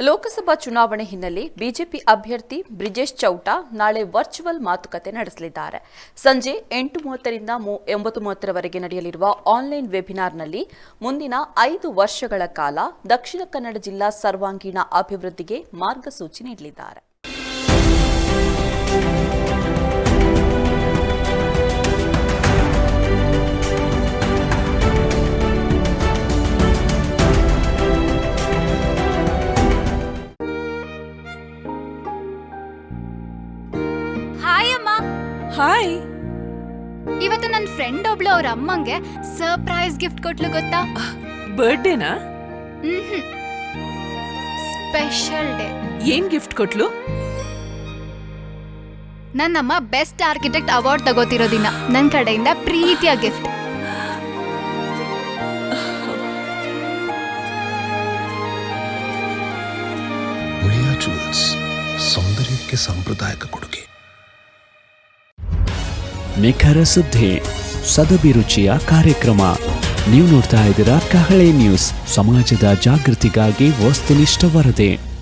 ಲೋಕಸಭಾ ಚುನಾವಣೆ ಹಿನ್ನೆಲೆ ಬಿಜೆಪಿ ಅಭ್ಯರ್ಥಿ ಬ್ರಿಜೇಶ್ ಚೌಟಾ ನಾಳೆ ವರ್ಚುವಲ್ ಮಾತುಕತೆ ನಡೆಸಲಿದ್ದಾರೆ. ಸಂಜೆ 8:30 ರಿಂದ 9:30 ನಡೆಯಲಿರುವ ಆನ್ಲೈನ್ ವೆಬಿನಾರ್ನಲ್ಲಿ ಮುಂದಿನ 5 ವರ್ಷಗಳ ಕಾಲ ದಕ್ಷಿಣ ಕನ್ನಡ ಜಿಲ್ಲಾ ಸರ್ವಾಂಗೀಣ ಅಭಿವೃದ್ಧಿಗೆ ಮಾರ್ಗಸೂಚಿ ನೀಡಲಿದ್ದಾರೆ. ಹಾಯ್. ಇವತ್ತು ನನ್ನ ಫ್ರೆಂಡ್ ಒಬ್ಳು ಅವ್ರ ಅಮ್ಮಂಗೆ ಸರ್ಪ್ರೈಸ್ ಗಿಫ್ಟ್ ಕೊಟ್ಲು ಗೊತ್ತಾ? ಬರ್ಡೇನಾ? Special day. ಏನ್ ಗಿಫ್ಟ್ ಕೊಟ್ಲು? ನನ್ನಮ್ಮ ಬೆಸ್ಟ್ ಆರ್ಕಿಟೆಕ್ಟ್ ಅವಾರ್ಡ್ ತಗೋತಿರೋ ದಿನ ನನ್ನ ಕಡೆಯಿಂದ ಪ್ರೀತಿಯ ಗಿಫ್ಟ್. ಉಳಿಯಾ ಜುವೆಲ್ಸ್, ಸೌಂದರ್ಯಕ್ಕೆ ಸಾಂಪ್ರದಾಯಿಕ ಕೊಡುಗೆ. ನಿಖರ ಸುದ್ದಿ, ಸದಭಿರುಚಿಯ ಕಾರ್ಯಕ್ರಮ. ನೀವು ನೋಡ್ತಾ ಇದ್ದೀರಾ ಕಹಳೆ ನ್ಯೂಸ್, ಸಮಾಜದ ಜಾಗೃತಿಗಾಗಿ ವಸ್ತುನಿಷ್ಠ ವರದಿ.